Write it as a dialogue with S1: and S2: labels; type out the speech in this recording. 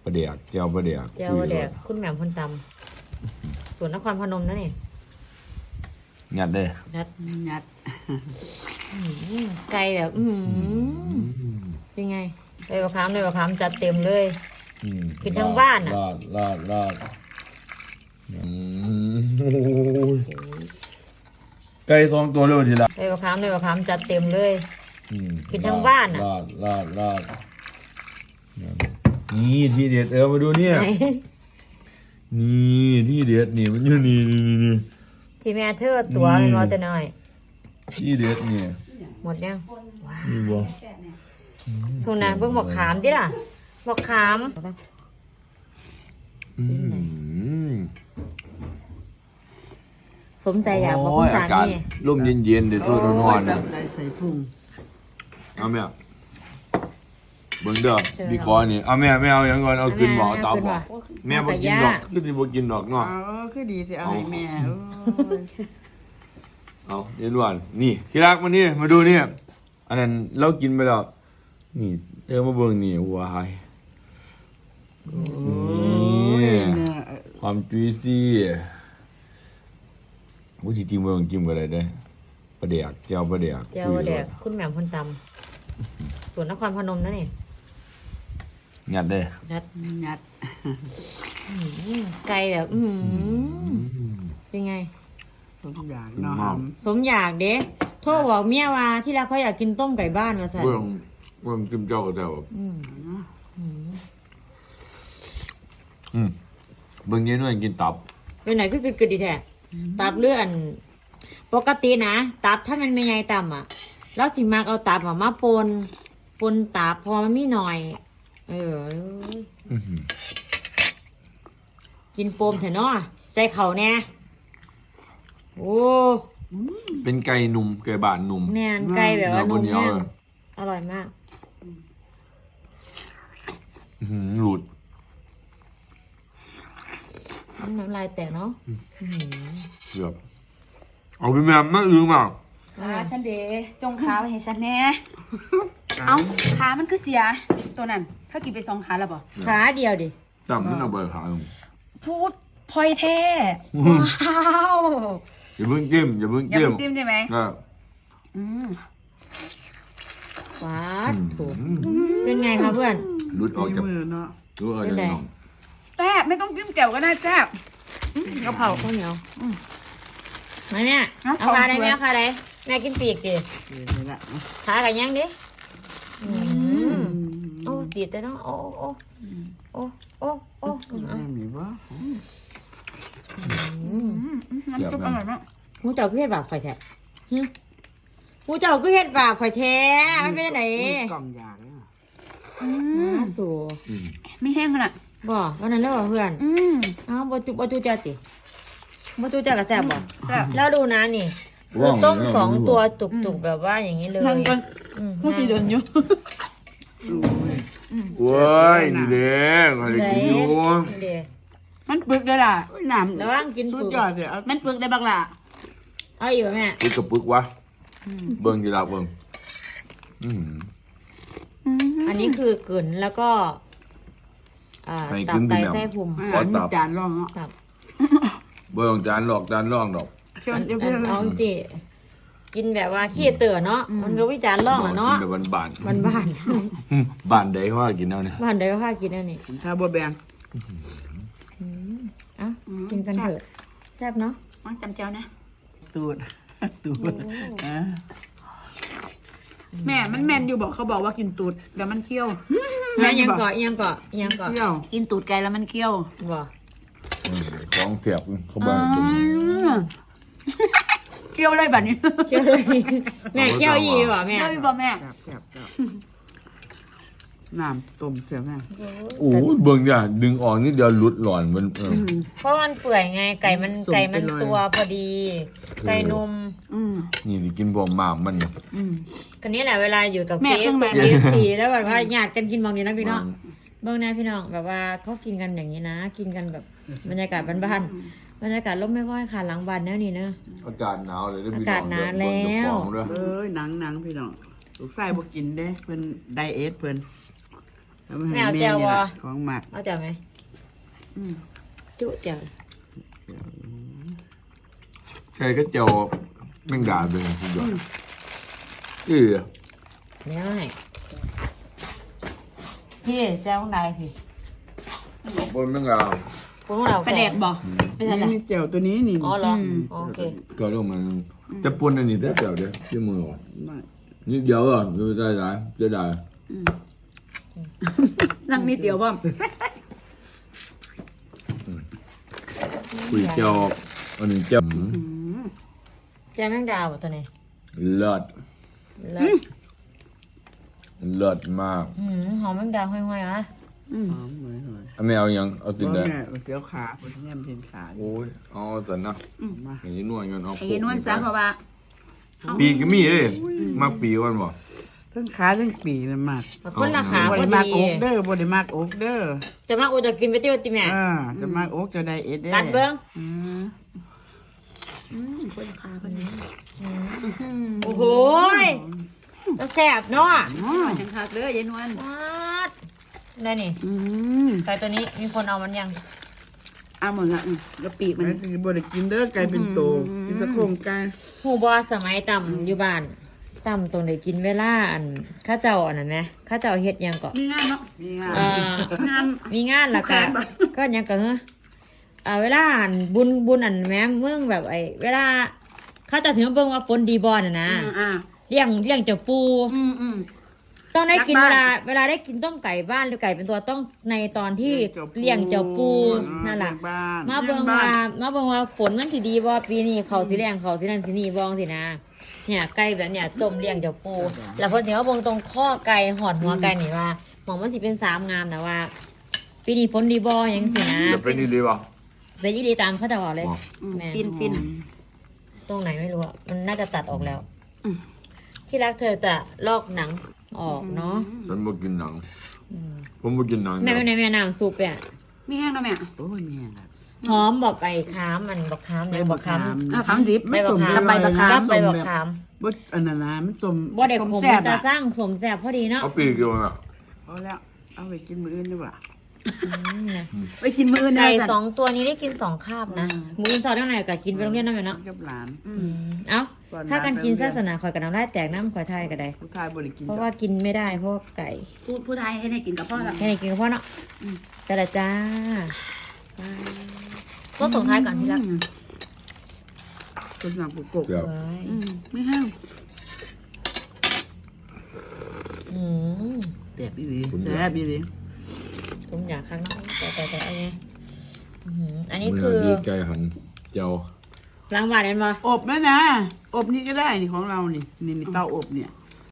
S1: ประเดี๋ยวเจียวประเดี๋ยว
S2: เจ้าแดกคุณแหม่มคนตำส่วนนครพนมนั่นนี่
S1: งัดเด้อ
S2: นัด
S3: งัด
S2: ไก่แบบเป็นไงเลยประคามเลยประคามจัดเต็มเลย กินทั้งบ้านอะ
S1: รอดไก่สองตัวเลยทีละ
S2: เลยประคามเลยประคามจัดเต็มเลย กินทั้งบ้านอะ
S1: รอดนี่ที่เด็ดมาดูเนี่ย
S2: ไหน
S1: นี่ที่เด็ดนี่มันอยู่นี่
S2: ที่แม่เธอตัวมันรอแต่น้อย
S1: ที่เด็ดเนี่ย
S2: หมดยัง
S1: นี่บ่
S2: ทุนนะเพิ่งบอกขามดิล่ะบอกขาม สมใจอยากบอกคุณสา
S1: อากาศ
S2: มี
S1: ร่มเย็นๆเดี๋ยวตัวร้อนๆ
S3: จั
S1: นะ
S3: บใจใส่พุง
S1: เอาแม่เบิ่งเด้อพี่คอนี่เอาแม่ไม่เอาอย่างก่อนเอากินบ่เอาตับบ่แม่บ่กินดอกคือสิบ่กินดอกเนาะ
S3: คือดีสิเอาให้แม่
S1: เอาเย็นวันนี่ที่รักมานี่มาดูเนี่ยอันนั้นเรากินไปแล้วนี่มาเบิ่งนี่ว้ายนี่ความจุยซี่วุ้ยจริงๆเบิ่งจิ้มกันเลยได้ประเดี๋ยวเจียวประเดี๋ยว
S2: เจ้าแดกคุณแหม่มคนตำส่วนนครพนมนั่นนี่
S1: งัดเด้อ
S2: นัด
S3: งัด
S2: ไก่แบบเป็นไง
S3: สมอย่างเนาะ
S2: สมอยากเด้โทรบอกเมียว่าที่รักเขาอยากกินต้มไก่บ้านมาสั่น
S1: เบิ่งจิ้มเจ้าก็ได้บ่เบิ่งเย็นวันกินตับ
S2: เป็นไหนก็กึดดีแท้ตับเลื่อนปกตินะตับถ้ามันไม่ใหญ่ต่ำอ่ะแล้วสิมากเอาตับมาปนตับพอมันมีหน่อย กินโปมเถอะเนาะใส่เข่าแน่โอ้
S1: เป็นไก่หนุ่มไก่บานหนุ่ม
S2: แน่นไก่แบบว่านุ่มแน่นอร่อยมาก
S1: หลุด
S2: น้ำลายแตกเนาะ
S1: เกือบเอาไปแม่มาอึ้งมา
S4: ขาฉันเดจงขาไว้ให้ฉันแน่เอ้าขามันคือเสีย ตัวนั้นถ้ากินไป2 ขาแล้วบ่
S2: ขาเดียวดิ
S1: จำมันเอาไปขาย
S4: พูดพลอยแท้ว้าว
S1: อย่าเพิ่งจิ้มอย่าเพิ่ง
S4: อย่า
S1: จิ้ม
S4: เพิ่งจิ้มได้ไหมอืม
S2: ว้าถูกเป็นไงคะเพื่อน
S1: หลุดออกจาก
S3: มือเนาะ
S1: หลุดออกจากน้อง
S4: แซ่บไม่ต้องจิ้มแจ่วก็ได้แซ่บกะเพรา
S2: ข้าวเหนียวมาเนี่ย
S4: เอา
S2: เอาขาได้
S4: ของ
S2: ไหม
S4: ด้วย
S2: เอาขาได้แม่กินปีกดิ
S3: นี่ละ
S2: ขากันยังดิโอ้ติดแต่ต้องโอ้
S3: แม่มีบ่
S4: น้ำซุปอร่อยมาก
S2: หูเจ้าคือเฮ็ดบาปข่อยแท้หูเจ้าคือเฮ็ดบาปข่อยแท้ไม่เป็นไหน
S3: กล่องยาเลย
S2: มาสู่
S4: ไม่แห้งขนาด
S2: บ่วันนั้นแล้วบ่เพื่อน อ้าวบ่จูจ้าติบ่จูจ้าก็แซ่บบ่
S4: แซ่บ
S2: แล้วดูนะนี่คือต้ม2 ตัวจุกๆแบบว่าอย่างนี้เลย
S4: นั่งกัน
S2: ผู้สีโดนอยู่
S1: โว้ยนี่เด้อะไรกินอยู่
S2: เด้
S4: มันปึกเลยล่ะ
S3: น้ำ
S2: ระวังกิน
S3: สุ
S2: ปึ
S3: ด
S2: ก
S3: ยอดเลยเอา
S4: มันปึกได้บักล่ะ
S2: เอาอยู่แม่
S1: ปึกกับปึกวะเบิ่งกี่ดาวเบิ่ง
S2: อันนี้คือเกินแล้วก็ตับไตไส้พุง
S3: อาหารจานร่องเนาะ
S2: ครับ
S1: เบิ่งจานหลอกจานร่องดอก
S3: เชื่อเดี๋ยวเพื่อน
S2: เอาจริงกินแบบว่าขี้เต๋อเนาะมันก็วิจารณ์ร่องอ่ะเนาะ
S1: กินแบบบ้าน
S2: บ้าน
S1: ๆบ้านใดเขาว่ากินเอาเนี่ย
S2: บ้านใดก็พากินอันนี้
S3: ชาบัวแบง
S2: อ่ะกินกันเถอะแซ่บเนาะ
S4: มันจำเจ้านะ
S3: ตูดอ่ะ
S4: แม่มันแมนอยู่บอกเขาบอกว่ากินตูดแล้วมันเคี้ยว
S2: แล้วยังเกาะยังเกาะยังเกาะ
S3: เที่ยว
S4: กินตูดไก่แล้วมันเคี้ยว
S2: บ่
S1: ของเสียบเขาบ้านกิน
S4: เคี้ยวเลยแบบนี้
S2: เชื่อเลยแม่เกี้ยวอีบ่แม่
S4: เคี้ยวอีบ่แม่
S3: แซ่บน้ำต้มเสียแม่
S1: โอ้ยเบิ่งเนี่ยดึงออกนิดเดียวหลุดหลอนมัน
S2: เพราะมันเปื่อยไงไก่มันตัวพอดี ไก่นม
S1: นี่ที่กินบ่หมากมัน
S2: กันนี้แหละเวลาอยู่กับ
S4: แม่
S2: เฟ
S4: เครื่องแบบ
S2: สีแล้วแบบว่าญาติกันกินบางทีนะพี่น้องเบื้องหน้าพี่น้องแบบว่าเขากินกันอย่างนี้นะ กินกันแบบบรรยากาศบ้านๆบรรยากาศร่มไม่ว่อยค่ะหลังบ้านแนวนี้เนอะ
S1: อากาศหนาวเลย
S2: อากาศหนาวแล้ว
S3: หนังพี่น้องลูกชายบ่กินเด้เพิ่นไดเอทเพิ่นเอามาให้
S2: ไม่เอา
S3: แม่
S2: แจ่ว
S3: นี่
S2: บ่
S3: ล่ะของหมัก
S2: เอาแจ่วไหม
S4: อืม
S2: จุแจ่ว
S1: ใช่ก็เจียวแมงดาเป็นสุดยอดเออ
S2: เดี๋ยวให้พี่แจ่วของใดพี่
S1: ขอบคุณแมงดา
S2: พวกเรา
S4: ปลาแดกบ่ไปทางไหน
S3: นี่แจ่วตัวนี้นี่
S2: อ๋อเหรอโอเค
S1: ก็ลงมาจะปนอันนี้ได้เจียวเด้อที่มืออ่ะ
S3: มา
S1: นี่เดียวอ่ะดูได้จะได้
S4: นั่งนิดเดียวบ่
S1: คุยเจียวอันนี้เจียว
S2: แจ่วแมงดาบ่ตัวนี้
S1: เลิศ
S2: แล้ว
S1: เลิศมาก
S2: หอมแมงดาห้อยๆอ่ะ
S3: หอมเหมือนหอย
S1: ไม่เอายังเอาติด
S3: บ่
S1: ได้
S3: แม่เสียวขาคนแง่มเป็นขา
S1: โอ้ยเอาสันนะ
S3: มา
S1: อย่างนี้นวลกันเอา
S4: ไอ้นวลซะเพราะว่า
S1: ปีก็มีเลยมากปีวันบ่
S3: ทั้งขาทั้งปีเลยมาก
S2: คนละขา
S3: บ่
S2: พอ
S3: ได้มาก
S2: ดี
S3: อกเด้อบ่ได้มากอกเด้อ
S2: จะมาอูจะกินไปเที่ยวติแม่
S3: จะมากอกจะได้เอ็ดเด้อ
S2: กัดเบิ้ง
S4: คนละขาคนนี้
S2: โอ้โหจะแสบเนาะ
S4: จังคักเด้อยายนวล
S2: วัดได้นี่ไก่ตัวนี้มีคนเอามันยัง
S4: เอาหมดละกะปิมัน
S3: แม่สิบ่ได้กินเด้อไก่เป็นโตกินแตะโครงไก่
S2: หูบอสมัยต่ำอยู่บ้านต่ำตรงไหนกินเวลาอันข้าเจ้าอันนั้นไหมข้าเจ้าเฮ็ดหยังก็
S4: มีงานเนาะ
S3: มีงาน
S4: งาน
S2: มีงานแล้วก็ก็หยังก็เวลาอันบุญอันแม่เมืองแบบเวลาข้าเจ้าถึงมาเบิ่งว่าฝนดีบ่น่ะนะ
S4: อ่า
S2: เลี้ยงเจ้าปู ต้องได้กิน
S4: รักบ้าน
S2: เวลาได้กินต้มไก่บ้านหรือไก่เป็นตัวต้องในตอนที่เลี้ยงเจ้าปูนั่นแหละ
S3: บ้าน
S2: มาเบิ่งว่าฝนมันสิดีบ่ปีนี้เขาสิเลี้ยงเขาสินั่นสินี่บ่สินะเนี่ยไก่แบบเนี่ยต้มเลี้ยงเจ้าปูแล้วพอถึงว่าเบิ่งตรงข้อไก่หอดหัวไก่นี่ว่าหมองมันสิเป็น3 งามนะว่า ปีนี้ฝนดีบ่หยังสินะ
S1: จะเป็นดีป่ะ
S2: เป็นอีดีตามเขาจะบอกเลย แม่
S4: ฟิน
S2: ตรงไหนไม่รู้อะมันน่าจะตัดออกแล้ว ที่รักเธอจะลอกหนังออกเนาะ
S1: ฉันไม่กินหนังผมไม่กินหนัง
S2: แม่ไม่ในแม่น้ำซุปเนี่ย
S4: มีแห้งเนาะแม่
S3: โอ้ยแม่ครับ
S2: หอมบอกไก่ค้ามมันบอกค้ามเนี่ยบอกค้าม
S4: คำดิบ
S2: ใบบอกค้าม
S4: กับใบบักขาม
S2: กับใบบอกค้าม
S3: บ่อันนั้นนะมันสม
S2: บ่เด็กผม
S3: แซ่บ
S2: จะ
S3: อ่ะ
S2: สร้างสมแสบพอดีเนาะ
S1: เอาปีกอยู่อ่ะ
S3: เอาแล้วเอาไปกินมื้ออื่นดีกว่า
S4: ไปกินมื้ออื่น
S2: ไก่
S4: นะ
S2: 2 ตัวนี้ได้กิน2 คาบนะหมูอินซอร์เท่าไหร่ก็กินไปโรงเรียนนั่นแหละเนาะ
S3: กับหลาน
S2: เอ้า
S3: ก่อน
S2: ถ้ากันกิน
S3: ไปโรงเรียน
S2: ศาสนาคอยกับน้ำได้แตกน้ำคอยไทยก็ได้
S3: ผู้ชายบ่ได้กิน
S2: เพราะว่ากินไม่ได้เพราะว่าไก่
S4: ผู้ไทยให้ได้กินกับพ่อแล้ว
S2: แค่ไหนกินกับพ่อเนาะแต่ละจ้าก็ส่งท้ายก่อนที่รัก
S3: คนสั่งปุกก
S1: เดี๋ยว
S2: เอ้ย
S4: ไม่แห้ง
S2: อืม
S3: แซ่บอีหลีแซ่บอีหลี
S2: ผมอยากข้างนอกแต่อันนี้อันนี้
S1: มือ
S2: คือ
S1: ดีไก่หันเจียว
S2: ล้างบาทเห็นปะ
S3: อบแม่นะอบนี่ก็ได้นี่ของเรานี่นี่เตาอบเนี่ย